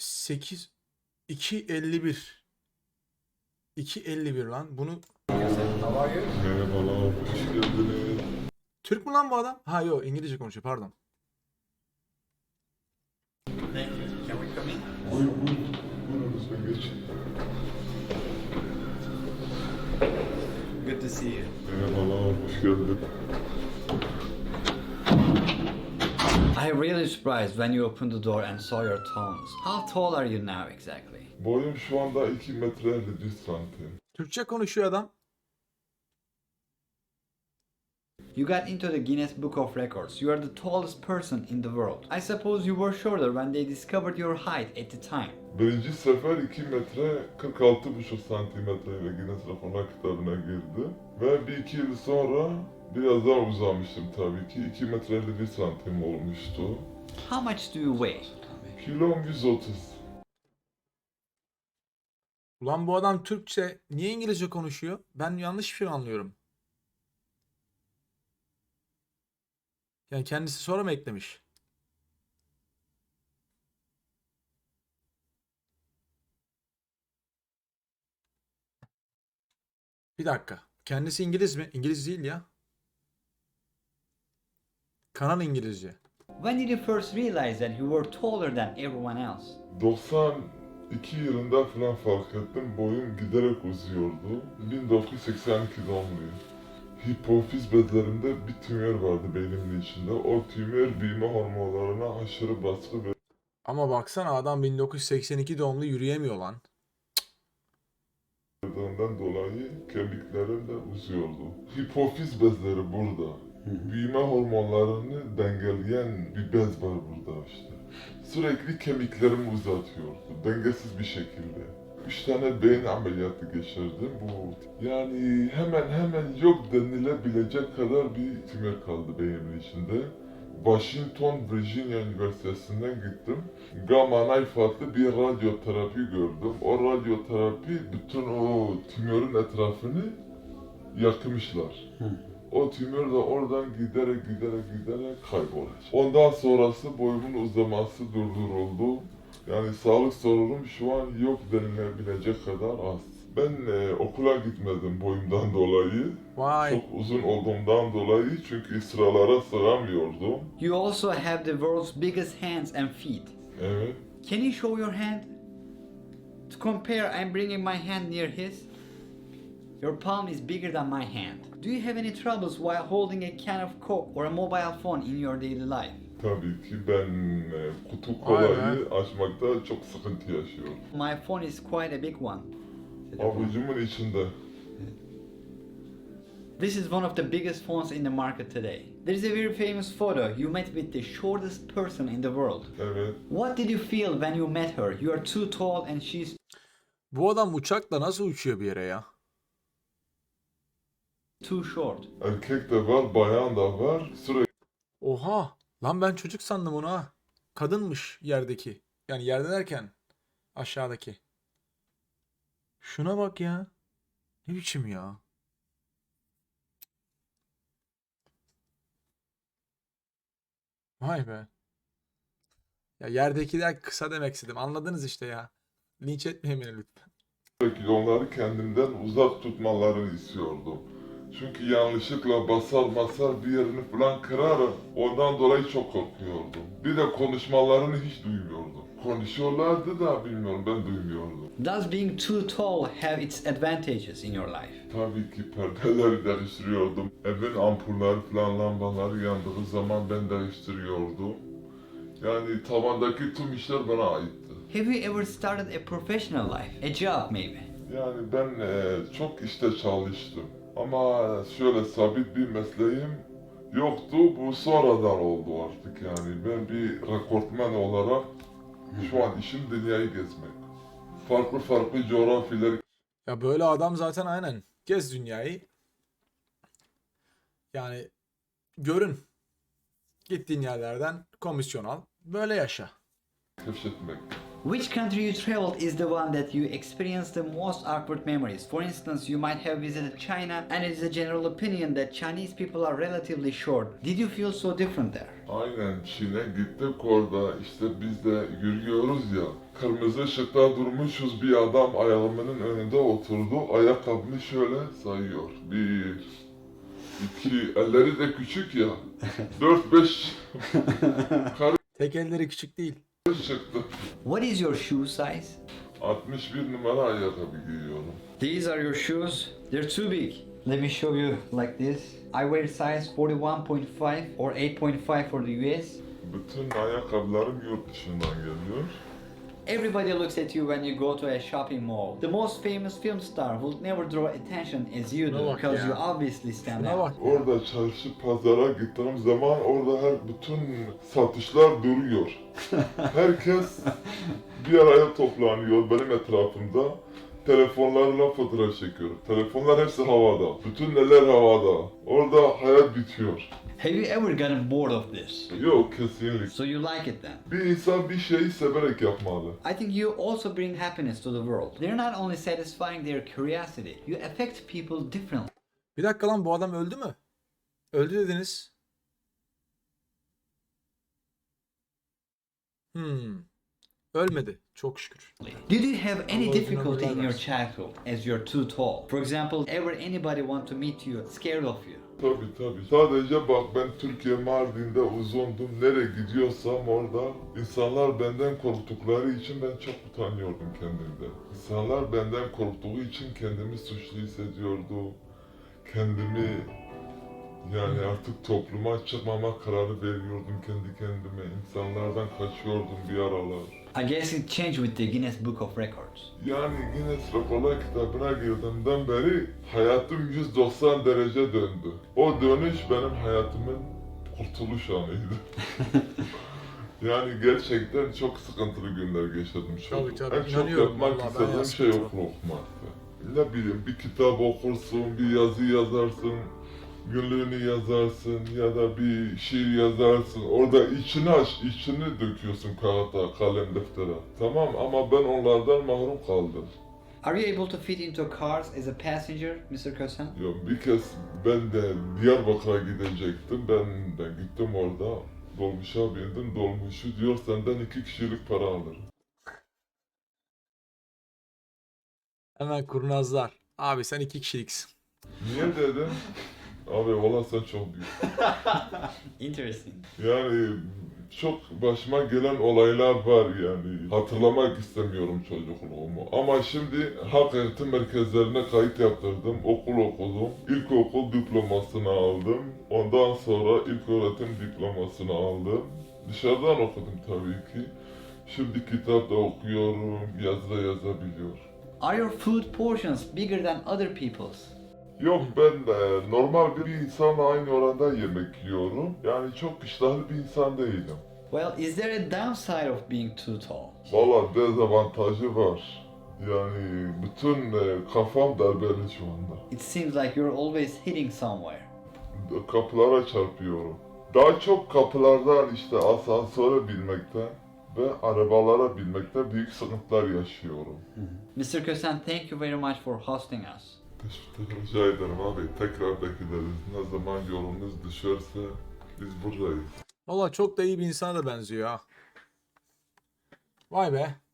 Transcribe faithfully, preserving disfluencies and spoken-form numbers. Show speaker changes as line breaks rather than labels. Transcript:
sekiz iki elli bir. iki elli bir lan. Bunu
Merhabalar, hoş geldiniz.
Türk mü lan bu adam? Ha yok, İngilizce konuşuyor, pardon.
Buyur, buyur. Buyurun lütfen geçin.
Good to see you.
Merhabalar, hoş geldin.
I really surprised when you opened the door and saw your tones. How tall are you now exactly?
Boyum şu anda iki metre elli bir santim.
Türkçe konuşuyor adam.
You got into the Guinness Book of Records. You are the tallest person in the world. I suppose you were shorter when they discovered your height at the time.
Birinci sefer iki metre kırk altı buçuk santimetre ile Guinness Rekorlar kitabına girdi. Ve bir iki yıl sonra biraz daha uzamıştım tabii ki. iki metre elli bir santim olmuştu.
How much do you weigh?
Kilom yüz otuz.
Ulan bu adam Türkçe niye İngilizce konuşuyor? Ben yanlış bir şey anlıyorum. Yani kendisi sonra mı eklemiş? Bir dakika. Kendisi İngiliz mi? İngiliz değil ya. Kanal İngilizce.
When did you first realize that you were taller than everyone else?
doksan iki yılında falan fark ettim. Boyum giderek uzuyordu. bin dokuz yüz seksen iki doğumluyum. Hipofiz bezlerimde bir tümör vardı beynimin içinde. O tümör büyüme hormonlarına aşırı baskı
Ama baksana adam bin dokuz yüz seksen iki doğumlu, yürüyemiyor lan.
verdiğinden dolayı kemiklerim de uzuyordu. Hipofiz bezleri burada. Büyüme hormonlarını dengeleyen bir bez var burada işte. Sürekli kemiklerimi uzatıyordu. Dengesiz bir şekilde. Üç tane beyin ameliyatı geçirdim. Bu yani hemen hemen yok denilebilecek kadar bir tümör kaldı beynimin içinde. Washington, Virginia Üniversitesi'nden gittim. Gamma knife adlı bir radyoterapi gördüm. O radyoterapi bütün o tümörün etrafını yakmışlar. O tümör de oradan giderek giderek giderek kaybolacak. Ondan sonrası boyumun uzaması durduruldu. Yani sağlık sorunum şu an yok denilebilecek kadar az. Ben e, okula gitmedim boyumdan dolayı.
Vay.
Çok uzun olduğumdan dolayı çünkü sıralara sığamıyordum.
You also have the world's biggest hands and feet.
Evet.
Can you show your hand? To compare, I'm bringing my hand near his. Your palm is bigger than my hand. Do you have any troubles while holding a can of Coke or a mobile phone in your daily life?
Tabii ki ben e, kutu
Vay
kolayı açmakta çok sıkıntı yaşıyorum.
My phone is quite a big one.
Avucumun içinde.
This is one of the biggest phones in the market today. There is a very famous photo. You met with the shortest person in the world.
Evet.
What did you feel when you met her? You are too tall and she's
Bu adam uçakla nasıl uçuyor bir yere ya?
too short.
Erkek de var, bayan da var. Sürekli
Oha! Lan ben çocuk sandım onu ha. Kadınmış yerdeki. Yani yerde derken aşağıdaki. Şuna bak ya. Ne biçim ya? Vay be. Ya yerdekiler kısa demek istedim. Anladınız işte ya. Linç etmeyin beni lütfen.
Sürekli onları kendimden uzak tutmalarını istiyordum. Çünkü yanlışlıkla basar basar bir yerini falan kırarım. Ondan dolayı çok korkuyordum. Bir de konuşmalarını hiç duymuyordum. Konuşuyorlardı da bilmiyorum, ben duymuyordum.
Does being too tall have its advantages in your life?
Tabii ki perdeleri değiştiriyordum. Evin ampulleri falan lambaları yandığı zaman ben değiştiriyordum. Yani tavandaki tüm işler bana aitti.
Have you ever started a professional life? A job maybe?
Yani ben e, çok işte çalıştım. Ama şöyle sabit bir mesleğim yoktu. Bu sonradan oldu artık yani. Ben bir rekortmen olarak şu an işim dünyayı gezmek. Farklı farklı coğrafyalar
Ya böyle adam zaten aynen. Gez dünyayı. Yani görün. Gittiğin yerlerden komisyon al. Böyle yaşa.
keşfetmek.
Which country you traveled is the one that you experienced the most awkward memories? For instance, you might have visited China and it is a general opinion that Chinese people are relatively short. Did you feel so different there?
Aynen Çin'e gittik orada işte biz de yürüyoruz ya. Kırmızı ışıkta durmuşuz bir adam ayağımın önünde oturdu. Ayakkabımı şöyle sayıyor. Bir, iki, elleri de küçük ya. Dört beş
Tek elleri küçük değil.
karı çıktı.
What is your shoe size?
altmış bir numara ayakkabı giyiyorum.
These are your shoes. They're too big. Let me show you like this. I wear size forty-one point five or eight point five for the U S.
Bütün ayakkabılarım yurt dışından geliyor.
Everybody looks at you when you go to a shopping mall. The most famous film star will never draw attention as you
Şuna
do
bak
because
ya.
you obviously stand
Şuna
out.
bak.
Orada çarşı pazara gittiğim zaman orada her bütün satışlar duruyor. Herkes bir araya toplanıyor benim etrafımda. Telefonlarla fotoğraf çekiyor. Telefonlar hepsi havada. Bütün neler havada. Orada hayat bitiyor.
Have you ever gotten bored of this?
Yok kesinlikle.
So you like it then?
Bir insan bir şeyi severek yapmalı.
I think you also bring happiness to the world. They're not only satisfying their curiosity, you affect people differently.
Bir dakika lan, bu adam öldü mü? Öldü dediniz. Hmm. Ölmedi. Çok şükür.
Did you have any
Allah
difficulty
ömürler
in your
versin.
childhood as you're too tall? For example, ever anybody want to meet you scared of you?
Tabii tabii. Sadece bak ben Türkiye Mardin'de uzundum. Nereye gidiyorsam orada insanlar benden korktukları için ben çok utanıyordum kendimde. İnsanlar benden korktuğu için kendimi suçlu hissediyordum. Kendimi yani artık topluma çıkmama kararı veriyordum kendi kendime. İnsanlardan kaçıyordum bir aralar.
I guess it changed with the Guinness Book of Records.
Yani Guinness Rekorlar kitabına girdiğimden beri hayatım yüz doksan derece döndü. O dönüş benim hayatımın kurtuluş anıydı. Yani gerçekten çok sıkıntılı günler geçirdim
Tabii,
çocuk.
tabii,
En çok
inanıyorum
yapmak
vallahi,
istediğim
bayağı
şey
sıkıntılı.
okul okumaktı. Ne bileyim bir kitap okursun, bir yazı yazarsın, günlüğünü yazarsın ya da bir şiir yazarsın. Orada içini aç, içini döküyorsun kağıda, kalem, deftere. Tamam ama ben onlardan mahrum kaldım.
Are you able to fit into cars as a passenger, mister Kösen?
Ya bir kez ben de Diyarbakır'a gidecektim. Ben de gittim orada. Dolmuşa bindim. Dolmuşu diyor senden iki kişilik para alırım.
Hemen kurnazlar. Abi sen iki kişiliksin.
Niye dedim? Abi valla sen çok büyük.
Interesting.
Yani çok başıma gelen olaylar var yani. Hatırlamak istemiyorum çocukluğumu. Ama şimdi halk eğitim merkezlerine kayıt yaptırdım. Okul okudum. İlkokul diplomasını aldım. Ondan sonra ilköğretim diplomasını aldım. Dışarıdan okudum tabii ki. Şimdi kitap da okuyorum, yazı da yazabiliyorum.
Are your food portions bigger than other people's?
Yok ben de normal bir insanla aynı oranda yemek yiyorum. Yani çok iştahlı bir insan değilim.
Well, is there a downside of being too tall?
Valla dezavantajı var. Yani bütün e, kafam darbeli şu anda.
It seems like you're always hitting somewhere.
Kapılara çarpıyorum. Daha çok kapılardan işte asansöre binmekten ve arabalara binmekten büyük sıkıntılar yaşıyorum.
mister Kösen, thank you very much for hosting us.
Teşekkür rica ederim abi. Tekrar bekleriz. Ne zaman yolunuz düşerse biz buradayız.
Valla çok da iyi bir insana da benziyor ha. Vay be.